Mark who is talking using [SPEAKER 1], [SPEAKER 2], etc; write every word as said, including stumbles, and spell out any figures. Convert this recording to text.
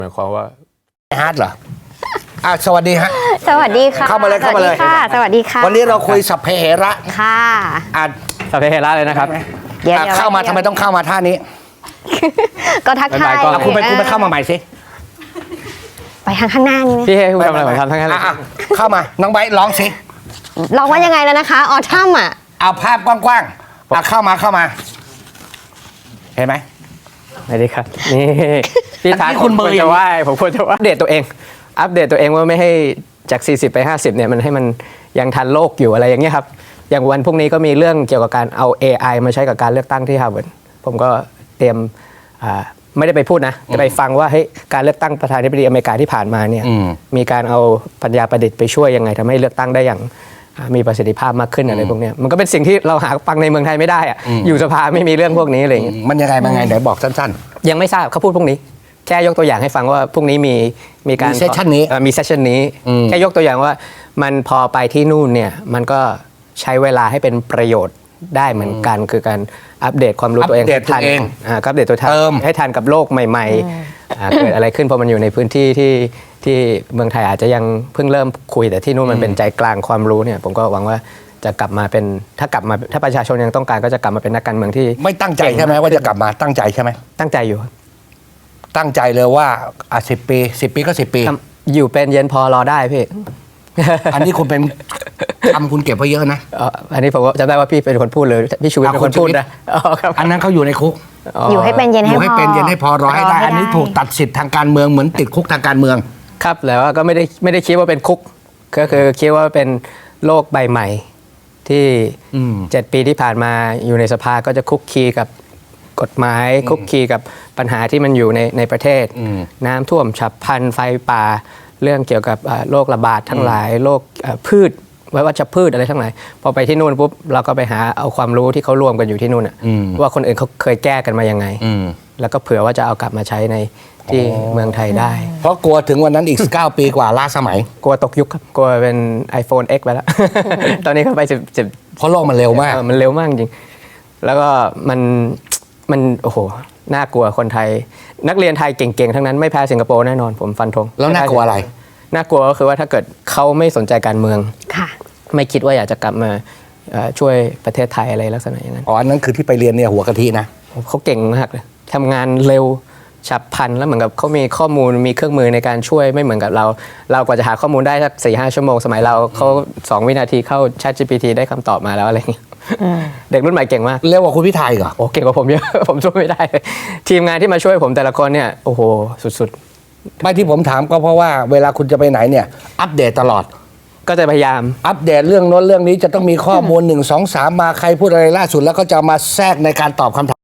[SPEAKER 1] หมายความว่า
[SPEAKER 2] ฮาร์ดเหรออ่ะสวัสดีฮะ
[SPEAKER 3] สวัสดีค่ะ
[SPEAKER 2] เข้ามาเลยเข้ามาเลย
[SPEAKER 3] ค่ะสวัสดีค่ะ
[SPEAKER 2] วันนี้เราคุยสัพเพเหระ
[SPEAKER 3] ค่ะ
[SPEAKER 2] อ่ะ
[SPEAKER 1] สัพเพเหระเลยนะครับ
[SPEAKER 3] เดี๋ยว
[SPEAKER 2] เข้ามาทำไมต้องเข้ามาท่านี้
[SPEAKER 3] ก็ทักทาย
[SPEAKER 2] คุณไปคุณไปเข้ามาใหม่สิ
[SPEAKER 3] ไปทางข้างหน้านี่ไหม
[SPEAKER 1] พี่ให้คุณทำอะไรผมทำทั้งนั้นเลย
[SPEAKER 2] เข้ามาน้องไบร์ทร้องสิ
[SPEAKER 3] ร้องว่ายังไงแล้วนะคะออทัมอ่ะ
[SPEAKER 2] เอาภาพกว้างๆอ่ะเข้ามาเข้ามาเห็นไหม
[SPEAKER 1] สวัสดีครับนี่พี่ท้า
[SPEAKER 2] คุณเบอร์
[SPEAKER 1] จะว่าผมควรจะว่าอัปเดตตัวเองอัปเดตตัวเองว่าไม่ให้จากสี่สิบไปห้าสิบเนี่ยมันให้มันยังทันโลกอยู่อะไรอย่างเงี้ยครับอย่างวันพรุ่งนี้ก็มีเรื่องเกี่ยวกับการเอา เอ ไอ มาใช้กับการเลือกตั้งที่ฮาร์วาร์ดผมก็เตรียมไม่ได้ไปพูดนะจะไปฟังว่าเฮ้ยการเลือกตั้งประธานาธิบดีอเมริกาที่ผ่านมาเนี่ยมีการเอาปัญญาประดิษฐ์ไปช่วยยังไงทำให้เลือกตั้งได้อย่างมีประสิทธิภาพมากขึ้นอะไรพวกนี้มันก็เป็นสิ่งที่เราหาฟังในเมืองไทยไม่ได้อะอยู่สภาไม่มีเรื่องพวกนี้อะไรอย่างเงี้ย
[SPEAKER 2] มันยังไงมันไงเดี๋ยวบอกสั้น
[SPEAKER 1] ๆยังไม่ทราบเขาพูดพวกนี้แค่ยกตัวอย่างให้ฟังว่าพรุ่งนี้มีมีการ
[SPEAKER 2] มีเซสชันนี้
[SPEAKER 1] มีเซสชันนี้แค่ยกตัวอย่างว่ามันพอไปที่นู่นเนี่ยมันก็ใช้เวลาให้เป็นประโยชน์ได้เหมือนกันคือการอัปเดตความรู้ตัวเอง
[SPEAKER 2] ให้ทัน
[SPEAKER 1] อัปเดตตัวเองให้ทันกับโลกใหม่ๆเกิดอะไรขึ้นเพราะมันอยู่ในพื้นที่ที่ที่เมืองไทยอาจจะยังเพิ่งเริ่มคุยแต่ที่นู่นมันเป็นใจกลางความรู้เนี่ยผมก็หวังว่าจะกลับมาเป็นถ้ากลับมาถ้าประชาชนยังต้องการก็จะกลับมาเป็นนักการเมืองที่
[SPEAKER 2] ไม่ตั้งใจใช่ไหมว่าจะกลับมาตั้งใจใช่ไหม
[SPEAKER 1] ตั้งใจอยู่
[SPEAKER 2] ตั้งใจเลยว่าอ่ะสิบปีสิบปีก็สิบปี
[SPEAKER 1] อยู่เป็นเย็นพอรอได้พี่
[SPEAKER 2] อันนี้คุณเป็นทำคุณเก็บไว้เยอะนะ
[SPEAKER 1] อันนี้ผมจำได้ว่าพี่เป็นคนพูดเลยพี่ชูวิทย์เป็นคนพูดนะ
[SPEAKER 2] อันนั้นเขาอยู่ในคุก
[SPEAKER 3] อยู่ให้เป็นเย็นให้พอ
[SPEAKER 2] อยู่ให้เป็นเย็นให้พอรอให้ได้อันนี้ถูกตัดสิทธิ์ทางการเมืองเหมือนติดคุกทางการเมือง
[SPEAKER 1] ครับแล้วก็ไม่ได้ไม่ได้คิดว่าเป็นคุกก็คือคิดว่าเป็นโลกใบใหม่ที่เจ็ดปีที่ผ่านมาอยู่ในสภาก็จะคุกคีกับกฎหมายคุกคีกับปัญหาที่มันอยู่ในในประเทศน้ำท่วมฉับพลันไฟป่าเรื่องเกี่ยวกับโรคระบาดทั้งหลายโรคพืชไว้วัชพืชอะไรทั้งหลายพอไปที่นู่นปุ๊บเราก็ไปหาเอาความรู้ที่เขารวมกันอยู่ที่นู่นว่าคนอื่นเขาเคยแก้กันมายังไงแล้วก็เผื่อว่าจะเอากลับมาใช้ในที่เมืองไทยได้
[SPEAKER 2] เพราะกลัวถึงวันนั้นอีกเก้าปีกว่าล้าสมัย
[SPEAKER 1] กลัวตกยุคครับกลัวเป็น iPhone X ไปแล้ว ตอนนี้เขาไปสิบ สิบ
[SPEAKER 2] เพราะโลกมันเร็วมาก
[SPEAKER 1] มันเร็วมากจริงแล้วก็มันมันโอ้โหน่ากลัวคนไทยนักเรียนไทยเก่งๆทั้งนั้นไม่แพ้สิงคโปร์แน่นอนผมฟันธง
[SPEAKER 2] แล้วน่ากลัวอะไร
[SPEAKER 1] น่ากลัวก็คือว่าถ้าเกิดเขาไม่สนใจการเมืองไม่คิดว่าอยากจะกลับมาช่วยประเทศไทยอะไรลักษณะอย่างนั้น
[SPEAKER 2] อ๋ออันนั้นคือที่ไปเรียนเนี่ยหัวกะทินะ
[SPEAKER 1] เขาเก่งมากเลยทำงานเร็วฉับพลันแล้วเหมือนกับเขามีข้อมูลมีเครื่องมือในการช่วยไม่เหมือนกับเราเรากว่าจะหาข้อมูลได้สักสี่ห้าชั่วโมงสมัยเราเขาสองวินาทีเข้า Chat จี พี ที ได้คำตอบมาแล้วอะไรอย่างเงี้ยเด็กรุ่นใหม่เก่งมาก
[SPEAKER 2] เร็วกว่าคุณพิธาอีกเหรอ
[SPEAKER 1] โอ้เก่งกว่าผมเยอะผมช่วยไม่ได้ทีมงานที่มาช่วยผมแต่ละคนเนี่ยโอ้โหสุด
[SPEAKER 2] ๆไม่ที่ผมถามก็เพราะว่าเวลาคุณจะไปไหนเนี่ยอัปเดตตลอด
[SPEAKER 1] ก็จะพยายาม
[SPEAKER 2] อัปเดตเรื่องโน้นเรื่องนี้จะต้องมีข้อมูลหนึ่งสองสามมาใครพูดอะไรล่าสุดแล้วก็จะมาแทรกในการตอบคำถาม